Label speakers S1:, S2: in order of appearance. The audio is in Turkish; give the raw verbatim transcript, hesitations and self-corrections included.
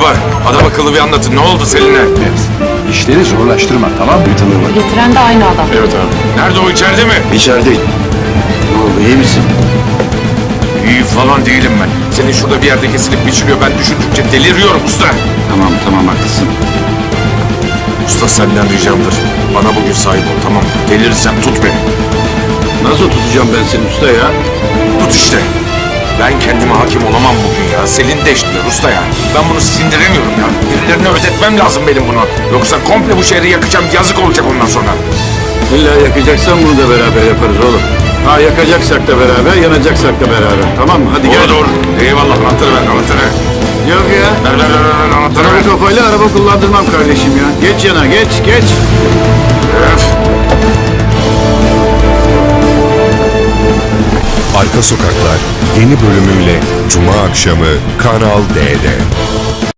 S1: var. Adam akıllı bir anlatın. Ne oldu Selin'e?
S2: İşleri zorlaştırma, tamam mı? Tanıyorum.
S3: Getiren de aynı adam.
S1: Evet abi. Nerede o, içeride mi?
S2: İçerideyim. Ne oldu, iyi misin?
S1: İyi falan değilim ben. Senin şurada bir yerde kesilip biçiliyor. Ben düşündükçe deliriyorum usta.
S2: Tamam, tamam, haklısın.
S1: Usta senden ricamdır. Bana bugün sahip ol, tamam mı? Delirirsem tut beni.
S2: Nasıl tutacağım ben seni usta ya?
S1: Tut işte. Ben kendime hakim olamam bugün ya. Selin de işliyor usta ya. Ben bunu sindiremiyorum ya. Birilerine özetmem lazım benim bunu. Yoksa komple bu şehri yakacağım. Yazık olacak ondan sonra.
S2: İlla yakacaksan bunu da beraber yaparız oğlum. Ha yakacaksak da beraber, yanacaksak da beraber. Tamam mı? Hadi
S1: Doğru
S2: gel.
S1: doğru. Eyvallah, anahtarı ver, anahtarı.
S2: Yok ya.
S1: Ver ver ver ver, anahtarı
S2: Sana
S1: ver.
S2: bu kafayla araba kullandırmam kardeşim ya. Geç yana, geç, geç.
S1: Öf.
S4: Arka Sokaklar yeni bölümüyle Cuma akşamı Kanal D'de.